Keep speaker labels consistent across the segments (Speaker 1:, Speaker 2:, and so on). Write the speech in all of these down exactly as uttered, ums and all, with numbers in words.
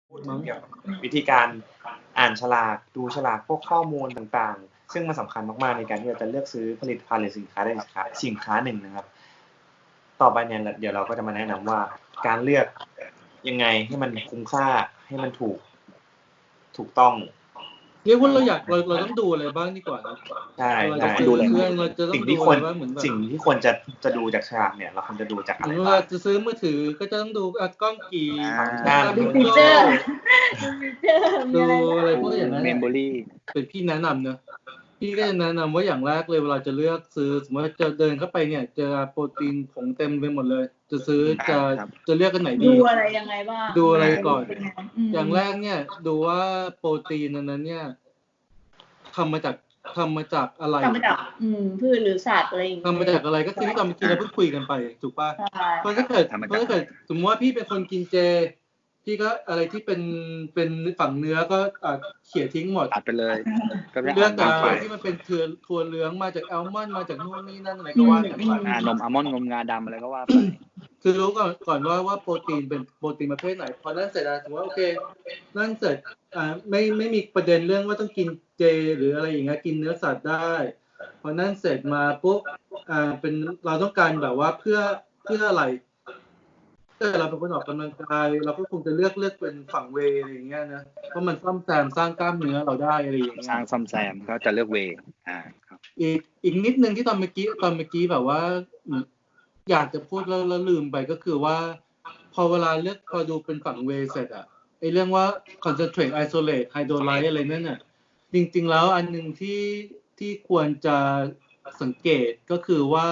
Speaker 1: พูดถึงเกี่ยวกับวิธีการอ่านฉลากดูฉลากพวกข้อมูลต่างๆซึ่งมันสำคัญมากๆในการที่เราจะเลือกซื้อผลิตภัณฑ์หรือสินค้าใดสินค้าสินค้าหนึ่งนะครับต่อไปเนี่ยเดี๋ยวเราก็จะมาแนะนำว่าการเลือกยังไงให้มันคุ้มค่าให้มันถูกถูกต้อง
Speaker 2: เรียกว่าเราอยากเราเราต้องดูอะไรบ้างดีกว่านะ
Speaker 1: ใช่ใช่
Speaker 2: ดูเรื่องเราจะต้อง
Speaker 1: สิ่ง
Speaker 2: ดู
Speaker 1: ที่ค
Speaker 2: อะ
Speaker 1: วร
Speaker 2: ไรบ้างเหมือนแบบ
Speaker 1: สิ่งที่ควรจะจะดูจากฉลากเนี่ยเราควรจะดูจากอะไร
Speaker 2: เว
Speaker 1: บ้า
Speaker 2: ลาง จะซื้อมือถือก็จะต้องดูอ่ะกล้องกี่
Speaker 3: อ่า
Speaker 1: อ่า
Speaker 4: ดูฟีเจอร์ดูฟีเจอร์มี
Speaker 2: ดู
Speaker 4: อะไรบ้าง
Speaker 2: อะไรพวกอย่างนั้น
Speaker 3: เม
Speaker 2: เนี่ย
Speaker 3: มโมรี่
Speaker 2: เป็นพี่แนะนำนะพี่ก็จะแนะนำว่าอย่างแรกเลยเวลาจะเลือกซื้อสมมติว่าจะเดินเข้าไปเนี่ยเจอโปรตีนผงเต็มไปหมดเลย จะซื้อจะจะเลือกกันไหนดี
Speaker 4: ดูอะไรยังไงบ้าง
Speaker 2: ดูอะไรก่อน
Speaker 4: เป็ไม
Speaker 2: อย่างแรกเนี่ยดูว่าโปรตีนนั้นเนี่ยทำมาจากทำมาจากอะไร
Speaker 4: ทำมาจากอืมพืชหรือสัตว์อะไรอย่างเงี้ย
Speaker 2: ทำมาจากอะไรก็คือที่ตอนเมื่อกี้เราเพิ่งคุยกันไปถูกป่ะ
Speaker 4: ใช่
Speaker 2: เพราะถ้าเกิดเพราะถ้าเกิดสมมติว่าพี่เป็นคนกินเจพี่ก็อะไรที่เป็นเป็นฝั่งเนื้อก็อ่ะเขี่ยทิ้งหมด
Speaker 3: ตัดไปเลยก็ไม่
Speaker 2: เลือก
Speaker 3: อ่าน
Speaker 2: อะไร
Speaker 3: ไป
Speaker 2: ที่มันเป็นเทือถั่วเหลืองมาจากแอลมอนด์มาจากนู่นนี่นั่นอะไรก็ว่ากันไป
Speaker 3: อ่านมอัลมอนด์นมงาดำอะไรก็ว่าไป
Speaker 2: คือรู้ก่อนก่อนว่าว่าโปรตีนเป็นโปรตีนประเภทไหนพอนั่นเสร็จแล้วถือว่าโอเคนั่นเสร็จอ่าไม่ไม่มีประเด็นเรื่องว่าต้องกินเจหรืออะไรอย่างเงี้ยกินเนื้อสัตว์ได้พอนั่นเสร็จมาปุ๊บอ่าเป็นเราต้องการแบบว่าเพื่อเพื่ออะไรถ้าเราเป็นคนออกกำลังกายเราก็คงจะเลือกเลือกเป็นฝั่งเวย์อะไรอย่างเงี้ยนะเพราะมันซ่อมแซมสร้างกล้ามเนื้อเราได้อะไรอย่างเงี้ย
Speaker 3: สร้างซ่อมแซมก็จะเลือกเวย์อ่าครับ
Speaker 2: อีกอีกนิดนึงที่ตอนเมื่อกี้ตอนเมื่อกี้แบบว่าอยากจะพูดแล้วแล้วลืมไปก็คือว่า พอเวลาเลือกพอดูเป็นฝั่งเวย์เสร็จอะไอเรื่องว่า concentrate isolate hydrolyte อะไรนั่นน่ะจริงๆแล้วอันหนึ่งที่ที่ควรจะสังเกตก็คือว่า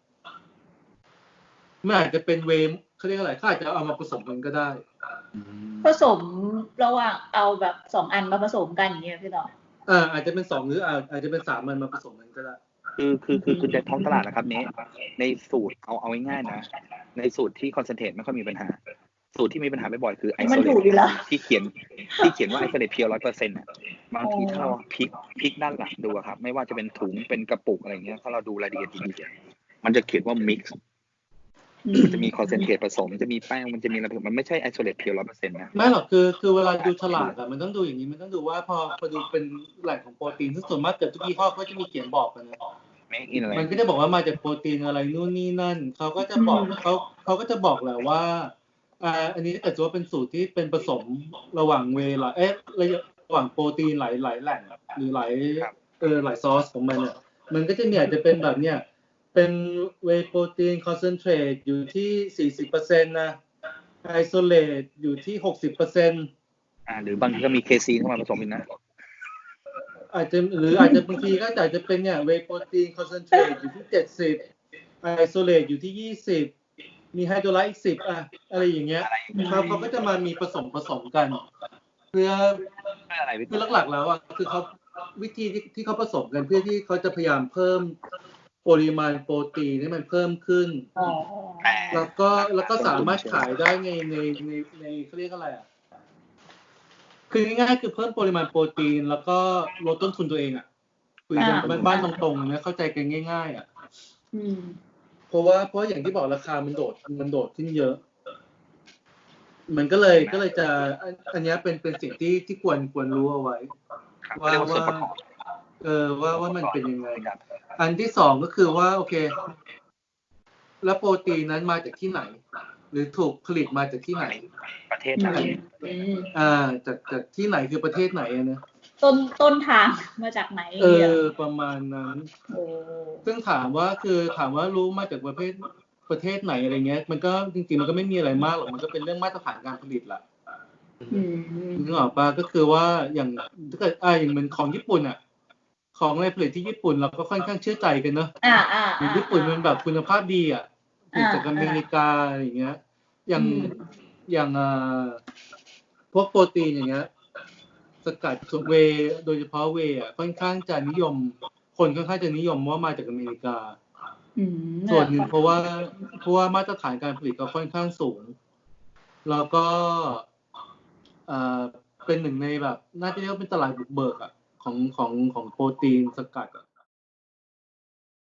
Speaker 2: มันอาจจะเป็นเวย์เขาเรียกอะไรเขาอาจจะเอามาผสมกันก็ได้
Speaker 4: ผสมระหว่างเอาแบบสองอันมาผสมกันอย่างเงี้ยพี่ต่อ
Speaker 2: อ่าอาจจะเป็นสองหรืออาจอาจจะเป็นสามมันมาผสมกันก็ได้
Speaker 3: คือคือคือคือในท้องตลาดนะครับเนี้ยในสูตรเอาเอาง่ายๆนะในสูตรที่คอนเซนเทรตไม่ค่อยมีปัญหา สูตรที่มีปัญหาบ่อยๆคือไอโซ
Speaker 4: มัน
Speaker 3: เล
Speaker 4: ถูกอยู่แล้ว
Speaker 3: ที่เขียนที่เขียนว่าไอโซเลตเพียวร้อยเปอร์เซ็นต์อ่ะบางทีถ้าเราพลิกพลิกด้านหลังดูอะครับไม่ว่าจะเป็นถุงเป็นกระปุกอะไรเงี้ยถ้าเราดูรายละเอียดดีๆมันจะเขียนว่ามิกซ์มันจะมีคอนเซนเทรตผสมมันจะมีแป้งมันจะมีอะไรมันไม่ใช่ไอโซเลตเพียวร้อยเปอร์เซ็นต์นะ
Speaker 2: ไม่หรอกคือคือเวลาดูฉลากอะมันต้องดูอย่างนี้มันต้องดูว่าพอพอดูเป็นแหล่งของโปรตีนซึ่งส่วนมากเกือบทุกยี่ห้อก็จะมีเขียนบอกกันนะ
Speaker 3: ไม่อินอะไร
Speaker 2: มันก็จะบอกว่ามาจากโปรตีนอะไรนู่นนี่นั่นเขาก็จะบอกเขาเขาก็จะบอกแหละว่าอ่าอันนี้ถ้าเกิดว่าเป็นสูตรที่เป็นผสมระหว่างเวลาเอ๊ะระหว่างโปรตีนหลายหลายแหล่งหรือหลายเออหลายซอสของมันเนี่ยมันก็จะมีอาจจะเป็นแบบเนี้ยเป็นเวย์โปรตีนคอนเซนเทรตอยู่ที่ สี่สิบเปอร์เซ็นต์ นะไอโซเลตอยู่ที่ หกสิบเปอร์เซ็นต์
Speaker 3: อ่าหรือบางทีก็มีเคซีนเข้ามาผสมอีกนะ
Speaker 2: อาจจะหรืออาจจะบางทีก็อาจจะเป็นเนี่ยเวย์โปรตีนคอนเซนเทรตอยู่ที่เจ็ดสิบไอโซเลตอยู่ที่ยี่สิบมีไฮโดรไลต์อีกสิบอะอะไรอย่างเงี้ยเขาเขาก็จะมามีผสมผสมกันเพื่อ
Speaker 3: อะไรพี่
Speaker 2: คือหลักๆแล้วอ่ะคือเขาวิธีที่ที่เขาผสมกันเพื่อที่เขาจะพยายามเพิ่มปริมาณโปรตีนให้มันเพิ่มขึ้น
Speaker 4: อ๋อ
Speaker 2: แล้วก็แล้วก็สามารถขายได้ในในในในเขาเรียกอะไรอ่ะคือง่ายๆคือเพิ่มปริมาณโปรตีนแล้วก็ลดต้นทุนตัวเองอ่ะคุยกันบ้านๆตรงๆนะเข้าใจกันง่ายๆอ่ะ
Speaker 4: อืม
Speaker 2: เพราะว่าเพราะอย่างที่บอกราคามันโดดมันโดดขึ้นเยอะ มันก็เลยก็เลยจะอันอันนี้เป็นเป็นสิ่งที่ที่ควรควรรู้เอาไว้
Speaker 3: ครับ
Speaker 2: ว่า
Speaker 3: เรียกว่าส่วน
Speaker 2: ว่า
Speaker 3: ประกอบ
Speaker 2: เออว่าว่ามันเป็นยังไงอันที่สองก็คือว่าโอเค แล้วโปรตีนนั้นมาจากที่ไหน หรือถูกผลิตมาจากที่ไหน
Speaker 3: ประเทศไหน
Speaker 4: อืม
Speaker 2: อ่าจากจากที่ไหนคือประเทศไหนอะนะ
Speaker 4: ต้นต้นทางมาจากไหน
Speaker 2: เอ
Speaker 4: เนี่ย
Speaker 2: อประมาณนั้น
Speaker 4: โอ้
Speaker 2: ซึ่งถามว่าคือถามว่ารู้มาจากประเทศประเทศไหนอะไรเงี้ย มันก็จริงๆมันก็ไม่มีอะไรมากหรอกมันก็เป็นเรื่องมาตรฐานการผลิตแหละ
Speaker 4: อืม
Speaker 2: นึกออกปะก็คือว่าอย่างถ้าเกิดอ่าอย่างเหมือนของญี่ปุ่นอ่ะ ของอะไรผลิตที่ญี่ปุ่นเราก็ค่อนข้างเชื่อใจกันเนอะ
Speaker 4: อ่าอ่า
Speaker 2: อย่างญี่ปุ่นมันแบบคุณภาพดีอ่ะผลิตจากอเมริกาอะไรอย่างเงี้ย อย่างอย่างอ่าพวกโปรตีนอย่างเงี้ย สกัดเวย์โดยเฉพาะเวย์อ่ะค่อนข้างจะนิยม คนค่อนข้างจะนิยมว่ามาจากอเมริกา
Speaker 4: อืม
Speaker 2: ส่วนหนึ่งเพราะว่าเพราะว่ามาตรฐานการผลิตก็ค่อนข้างสูง แล้วก็อ่าเป็นหนึ่งในแบบน่าจะเรียกว่าเป็นตลาดบุกเบิกอ่ะของของของโปรตีนสกัดอ่ะ